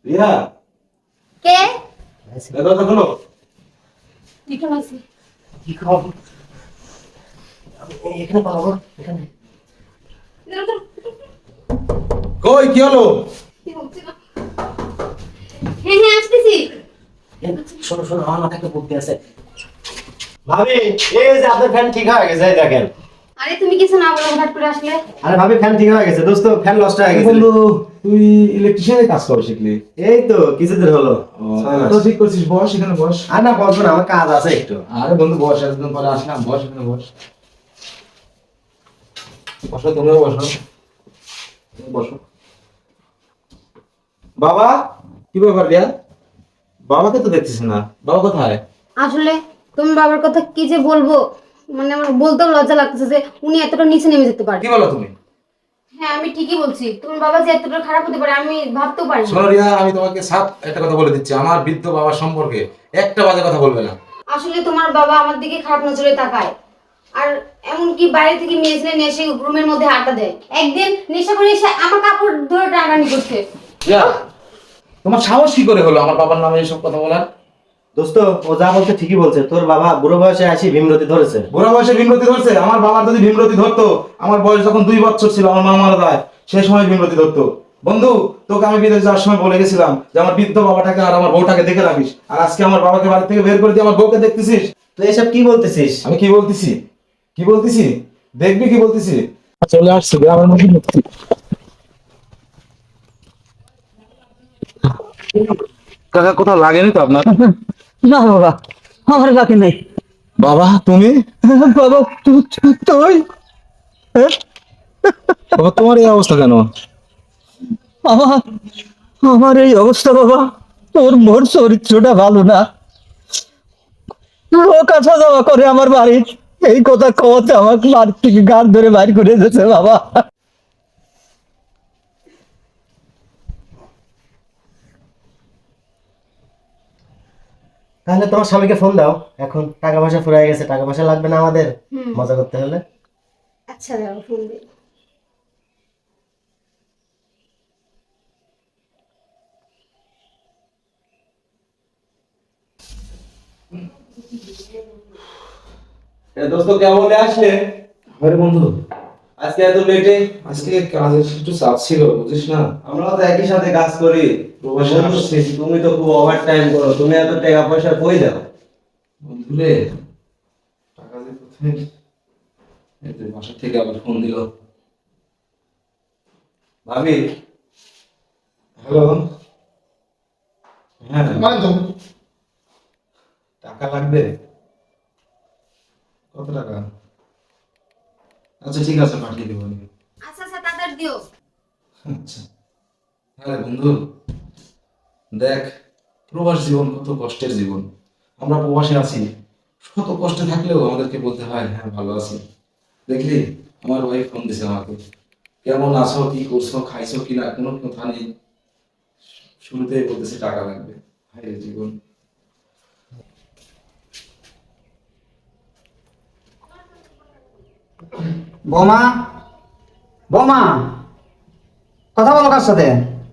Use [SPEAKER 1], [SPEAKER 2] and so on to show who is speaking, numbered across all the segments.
[SPEAKER 1] রিয়া
[SPEAKER 2] কে?
[SPEAKER 1] দরজা খোলো।
[SPEAKER 2] লিখন আছে।
[SPEAKER 3] কি খবর? এখানে পাবো এখানে।
[SPEAKER 1] কই কি হলো?
[SPEAKER 2] হ্যাঁ হ্যাঁ আসতেছি।
[SPEAKER 3] শোনো শোনো, আমার মাথায় একটা বুদ্ধি আছে। ভাবি, এই যে আপনার ফ্যান ঠিক হয়ে গেছে, এই দেখেন।
[SPEAKER 2] আরে তুমি কিছু না বলে হঠাৎ করে আসলে?
[SPEAKER 3] আরে ভাবি, ফ্যান ঠিক হয়ে গেছে। দোস্ত, ফ্যান নষ্ট হয়ে গেছে।
[SPEAKER 1] বন্ধু তুই ইলেকট্রিশিয়ানের কাজ করা শিখলি?
[SPEAKER 3] এই তো কিছুদিন হলো।
[SPEAKER 1] তো ঠিক করছিস, বস এখানে বস।
[SPEAKER 3] আর না বলবো না, আমার কাজ আছে একটু।
[SPEAKER 1] আরে বন্ধু বস, এতদিন পরে আসলাম, বস এখানে বস। বসো, তুমিও বসো। বসো। বাবা, কি ব্যাপার রিয়া? বাবাকে তো দেখতেছি না, বাবা কোথায়?
[SPEAKER 2] আসলে তুমি বাবার কথা কি যে বলবো, মানে আমার বলতেও লজ্জা লাগতেছে যে উনি এতটা নিচে নেমে যেতে পারে।
[SPEAKER 1] কি বলো তুমি?
[SPEAKER 2] হ্যাঁ আমি ঠিকই বলছি, তোমার বাবা যে এতটা খারাপ হতে পারে আমি ভাবতেও পারিনি।
[SPEAKER 1] শোনো রিয়া, আমি তোমাকে সাফ একটা কথা বলে দিচ্ছি, আমার বৃদ্ধ বাবার সম্পর্কে একটা বাজে কথা বলবে না।
[SPEAKER 2] আসলে তোমার বাবা আমার দিকে খারাপ নজরে তাকায়, আর এমনকি বাইরে থেকে মেয়ে ছেলে নিয়ে এসে রুমের মধ্যে আড্ডা দেয়। একদিন নেশা করে এসে আমার কাপড় ধরে টানাটানি করছে।
[SPEAKER 1] রিয়া, তোমার সাহস কি করে হলো আমার বাবার নামে এসব কথা বলার?
[SPEAKER 3] দোস্ত, ও যা বলছে ঠিকই বলছে। তোর বাবা বুড়ো বয়সে আসি ভীমরতি ধরেছে।
[SPEAKER 1] বুড়া বয়সে ভীমরতি ধরছে? আমার বাবার যদি ভীমরতি ধরতো, আমার বয়স যখন 2 বছর ছিল, আমার মা মারা যায়, সেই সময় ভীমরতি ধরতো। বন্ধু, তোকে আমি বিদেশ যাওয়ার সময় বলে গেছিলাম যে আমার বৃদ্ধ বাবাটাকে আর আমার বউটাকে দেখে রাখিস, আর আজকে আমার বাবাকে বাড়ি থেকে বের করে দিয়ে আমার বউকে দেখতেছিস।
[SPEAKER 3] তুই এসব কি বলতেছিস?
[SPEAKER 1] আমি কি বলতেছি? কি বলতেছি দেখবি, কি বলতেছি। চলে আসছি গ্রামের মধ্যে। কাকা কোথাও লাগেনি তো আপনার?
[SPEAKER 4] না বাবা, আমার লাগে নাই।
[SPEAKER 1] বাবা তুমি?
[SPEAKER 4] বাবা তুই হ্যাঁ?
[SPEAKER 1] বাবা তোমার এই অবস্থা কেন?
[SPEAKER 4] আমার আমার এই অবস্থা বাবা, তোর মোর চরিত্রটা ভালো না। লোক আসা যাওয়া করে আমার বাড়ি, এই কথা কওয়াতে আমাকে বাড়ি থেকে গান ধরে বাইর করে দিয়েছে বাবা।
[SPEAKER 3] তাহলে তোমার স্বামীকে ফোন দাও। এখন টাকা পয়সা ফুরাই গেছে, টাকা পয়সা লাগবে না আমাদের মজা করতে হলে।
[SPEAKER 2] আচ্ছা দাও ফোন দে।
[SPEAKER 1] দোস্ত কেমন আসলে?
[SPEAKER 3] আরে বন্ধু,
[SPEAKER 1] আজকে এত লেটে? আজকে কাজের একটু চাপ ছিল, বুঝিস না।
[SPEAKER 3] আমরা তো একই সাথে কাজ করি।
[SPEAKER 1] প্রবাসে আসছি।
[SPEAKER 3] তুমি তো খুব ওভার টাইম করো, তুমি এত টাকা পয়সা কই দাও?
[SPEAKER 1] বন্ধুরে, টাকা যে কোথায়, এই তো বাসা থেকে আবার ফোন দিল।
[SPEAKER 3] ভাবি,
[SPEAKER 1] হ্যালো। হ্যাঁ, টাকা লাগবে? কত টাকা? আচ্ছা ঠিক আছে, পাঠিয়ে দেবো আমি।
[SPEAKER 2] আচ্ছা আচ্ছা তাড়াতাড়ি দিও।
[SPEAKER 1] আচ্ছা। হ্যাঁ বন্ধু, দেখ, প্রবাস জীবন কত কষ্টের জীবন। আমরা প্রবাসে আছি, শত কষ্টে থাকলেও আমাদেরকে বলতে হয় হ্যাঁ ভালো আছি। দেখলি, আমার ওয়াইফ ফোন দিছে আমাকে, কেমন আছো, কি করছো, খাইছো কিনা, কোনো কথা নেই। শুরুতেই বলতেছে টাকা লাগবে। হায় রে জীবন।
[SPEAKER 4] বোমা, বোমা, কথা বলো কার সাথে?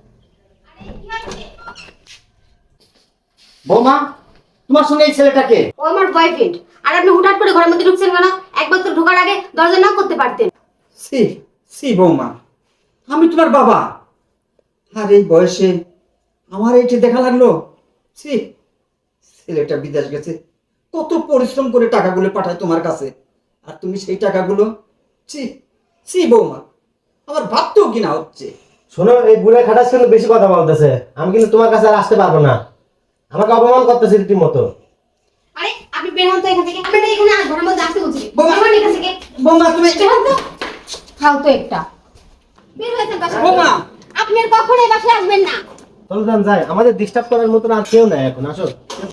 [SPEAKER 4] বোমা, তোমার সঙ্গে এই ছেলেটাকে?
[SPEAKER 2] ও আমার বয়ফ্রেন্ড। আর আপনি হুটহাট করে ঘরের মধ্যে ঢুকছেন কেন? একবার তো ঢোকার আগে দরজা নক করতে পারতেন।
[SPEAKER 4] সি সি বৌমা, আমি তোমার বাবা, আর এই বয়সে আমার এইটি দেখা লাগলো? সি, ছেলেটা বিদেশ গেছে, কত পরিশ্রম করে টাকাগুলো পাঠায় তোমার কাছে, আর তুমি সেই টাকাগুলো, সি সি বৌমা, আমার ভাবতেও কিনা হচ্ছে।
[SPEAKER 3] শোনো, এই বুড়ে খাটাস কিন্তু বেশি কথা বলতেছে। আমি কিন্তু তোমার কাছে আর আসতে পারবো না। আমাকে অপমান করতেছে রীতিমতো।
[SPEAKER 2] আরে আপনি বের হন তো এখান থেকে। আপনি এখানে আর ঘরের মধ্যে আসতে বলছি।
[SPEAKER 4] বোমা,
[SPEAKER 2] বের হন এখান থেকে।
[SPEAKER 4] বৌমা তুমি,
[SPEAKER 2] বের হন তো। খাও তো একটা। বের হয়েছেন বাসা থেকে।
[SPEAKER 4] বোমা।
[SPEAKER 2] আপনি আর কখনোই বাসায় আসবেন না।
[SPEAKER 3] চলো যান যাই, আমাদের ডিস্টার্ব করার মতো আর কেউ নাই এখন। আসো।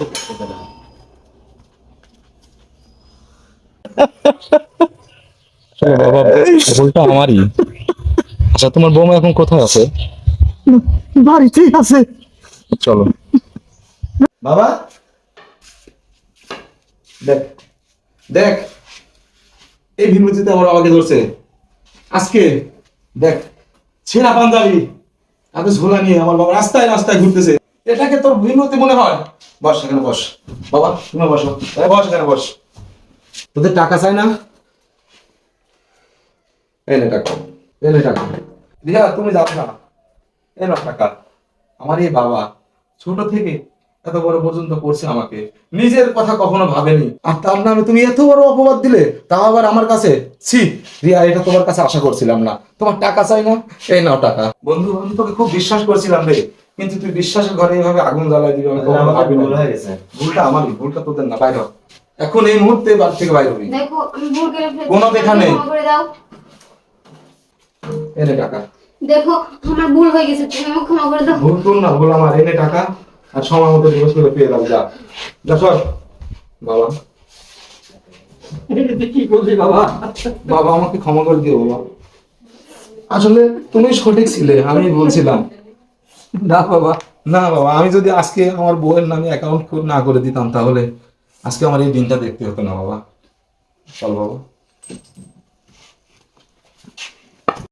[SPEAKER 1] বাবা, ভুলটা আমারই। আচ্ছা তোমার বৌমা এখন কোথায় আছে?
[SPEAKER 4] বাড়িতেই আছে।
[SPEAKER 1] চলো।
[SPEAKER 3] বাবা,
[SPEAKER 1] দেখ দেখ, এই ভিমরতিতে আমার বাবাকে ধরছে আজকে। দেখ, ছেঁড়া পাঞ্জাবি, এত ঝোলা নিয়ে আমার বাবা রাস্তায় রাস্তায় ঘুরতেছে, এটাকে তোর বিনতি মনে হয়? বস এখানে বস, বাবা তুমি বসো, বস এখানে বস। তোদের টাকা চাই না? এনে টাকা, এনে টাকা। রিয়া তুমি যাবে না, এনে টাকা। আমার এই বাবা ছোট থেকে এত বড় পর্যন্ত করছে আমাকে, নিজের কথা কখনো ভাবেনি, আর তার নামে তুমি এত বড় অপবাদ দিলে, তাও আবার আমার কাছে। ছি রিয়া, এটা তোমার কাছে আশা করছিলাম না। তোমার টাকা চাই না? এই নাও টাকা। বন্ধু আমি তোকে খুব বিশ্বাস করছিলাম রে, কিন্তু তুই বিশ্বাসের ঘরে এইভাবে আগুন জ্বালাই দিবি আমি কখনো
[SPEAKER 3] আমাকে
[SPEAKER 1] ভাবিনি।
[SPEAKER 3] ভুল হয়ে গেছে।
[SPEAKER 1] ভুলটা আমারই, ভুলটা তোদের না। বাইরে হ। এখন এই মুহূর্তে বাড়ি থেকে বাইরে হবি।
[SPEAKER 2] দেখো আমি ভুল করে ফেলেছি,
[SPEAKER 1] কোনো দেখা নেই।
[SPEAKER 2] ক্ষমা করে দাও।
[SPEAKER 1] এনে টাকা।
[SPEAKER 2] দেখো আমার ভুল হয়ে গেছে, তুমি আমাকে ক্ষমা করে দাও।
[SPEAKER 1] ভুল তোর না, ভুল আমার। এনে টাকা আর সময় মতো দিবস করে পেয়ে দাও। যা যা সর। বাবা,
[SPEAKER 4] এটা কি বললি বাবা?
[SPEAKER 1] বাবা আমাকে ক্ষমা করে দিও বাবা। আসলে তুমি সঠিক ছিলে, আমি বলছিলাম।
[SPEAKER 4] না বাবা,
[SPEAKER 1] না বাবা, আমি যদি আজকে আমার বউয়ের নামে অ্যাকাউন্ট না করে দিতাম, তাহলে আজকে আমার এই দিনটা দেখতে হতো না বাবা। চল বাবা।